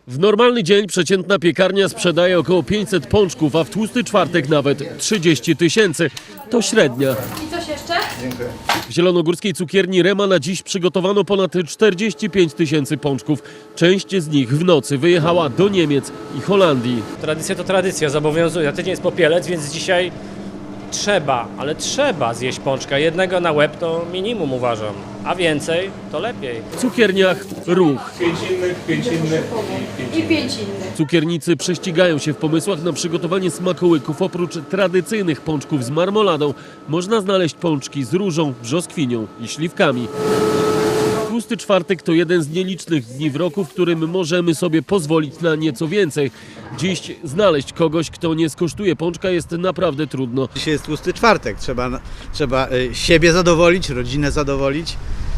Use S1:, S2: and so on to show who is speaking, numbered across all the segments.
S1: W normalny dzień przeciętna piekarnia sprzedaje około 500 pączków, a w tłusty czwartek nawet 30 000. To średnia.
S2: I coś jeszcze?
S1: W zielonogórskiej cukierni Rema na dziś przygotowano ponad 45 000 pączków. Część z nich w nocy wyjechała do Niemiec i Holandii.
S3: Tradycja to tradycja, zobowiązuje. Na tydzień jest popielec, więc dzisiaj trzeba zjeść pączka. Jednego na łeb to minimum uważam, a więcej to lepiej.
S1: W cukierniach ruch.
S4: 5 innych
S2: I 5 innych.
S1: Cukiernicy prześcigają się w pomysłach na przygotowanie smakołyków. Oprócz tradycyjnych pączków z marmoladą można znaleźć pączki z różą, brzoskwinią i śliwkami. Tłusty czwartek to jeden z nielicznych dni w roku, w którym możemy sobie pozwolić na nieco więcej. Dziś znaleźć kogoś, kto nie skosztuje pączka, jest naprawdę trudno.
S5: Dzisiaj jest tłusty czwartek, trzeba siebie zadowolić, rodzinę zadowolić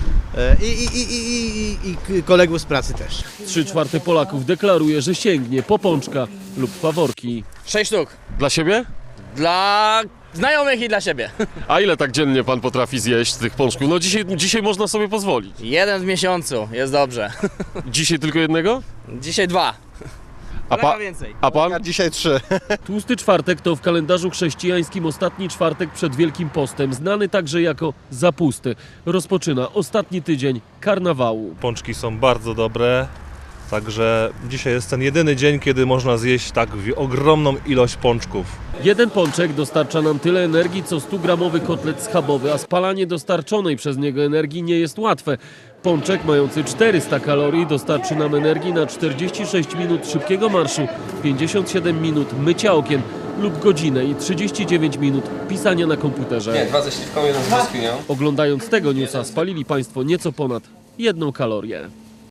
S5: i kolegów z pracy też.
S1: 3/4 Polaków deklaruje, że sięgnie po pączka lub faworki.
S6: 6 sztuk.
S7: Dla siebie?
S6: Dla znajomych i dla siebie.
S7: A ile tak dziennie pan potrafi zjeść tych pączków? No dzisiaj można sobie pozwolić.
S6: Jeden w miesiącu, jest dobrze.
S7: Dzisiaj tylko jednego?
S6: Dzisiaj 2.
S7: A,
S6: więcej.
S7: a pan?
S5: Dzisiaj 3.
S1: Tłusty czwartek to w kalendarzu chrześcijańskim ostatni czwartek przed Wielkim Postem, znany także jako zapusty. Rozpoczyna ostatni tydzień karnawału.
S4: Pączki są bardzo dobre, także dzisiaj jest ten jedyny dzień, kiedy można zjeść tak ogromną ilość pączków.
S1: Jeden pączek dostarcza nam tyle energii, co 100-gramowy kotlet schabowy, a spalanie dostarczonej przez niego energii nie jest łatwe. Pączek mający 400 kalorii dostarczy nam energii na 46 minut szybkiego marszu, 57 minut mycia okien lub godzinę i 39 minut pisania na komputerze.
S8: Nie, 2 ze śliwką, 1 z brzoskwinią.
S1: Oglądając tego newsa spalili Państwo nieco ponad 1 kalorię.